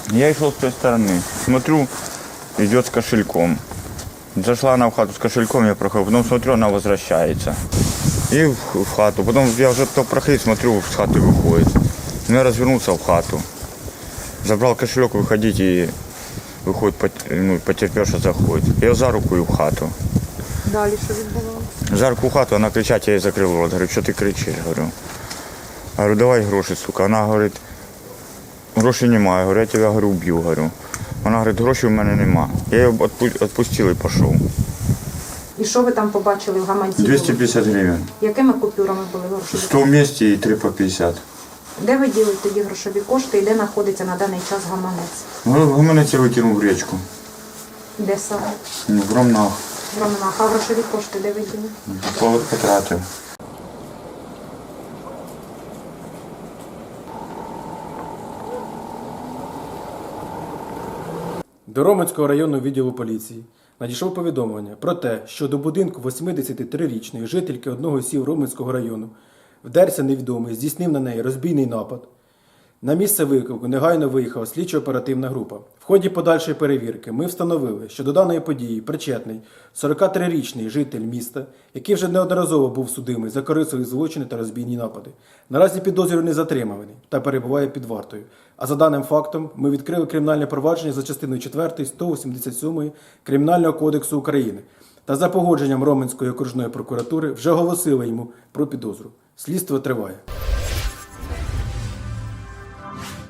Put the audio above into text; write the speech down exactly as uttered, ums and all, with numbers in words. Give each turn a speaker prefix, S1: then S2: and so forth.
S1: Я шел с той стороны. Смотрю, идет с кошельком. Зашла она в хату с кошельком, я проходил. Потом смотрю, она возвращается. И в, в хату. Потом я уже то проходил, смотрю, с хаты выходит. Ну, я развернулся в хату. Забрал кошелек, выходить и выходит, ну, потерпевша заходит. Я за руку и в хату.
S2: Далі що відбувалося?
S1: За руку в хату, вона кричать, я їй закрив рот. Говорю, що ти кричиш? Говорю, говорю, давай гроші, сука. Вона говорить, грошей немає. Говорю, я тебе, говорю, вб'ю. Говорю. Вона говорить, грошей в мене нема. Я її відпустив і пішов.
S2: І що ви там побачили в гаманці?
S1: двісті п'ятдесят гривень.
S2: Якими купюрами були грошові?
S1: сто в місті і три по п'ятдесят.
S2: Де ви діли тоді грошові кошти і де знаходиться на даний час гаманець?
S1: Ну, гаманець я викинув в річку.
S2: Де саме?
S1: Ну, в Ромнах.
S2: В Романах. А грошові кошти де ви діли?
S1: Потратив.
S3: До Роменського районного відділу поліції надійшло повідомлення про те, що до будинку восьмидесятитрирічної жительки одного з сіл Роменського району вдерся невідомий, здійснив на неї розбійний напад. На місце виклику негайно виїхала слідчо-оперативна група. В ході подальшої перевірки ми встановили, що до даної події причетний сорокатрирічний житель міста, який вже неодноразово був судимий за корисливі злочини та розбійні напади. Наразі підозрюваний затриманий та перебуває під вартою. А за даним фактом ми відкрили кримінальне провадження за частиною четвертою сто вісімдесят сьомої Кримінального кодексу України та за погодженням Роменської окружної прокуратури вже оголосили йому про підозру. Слідство триває.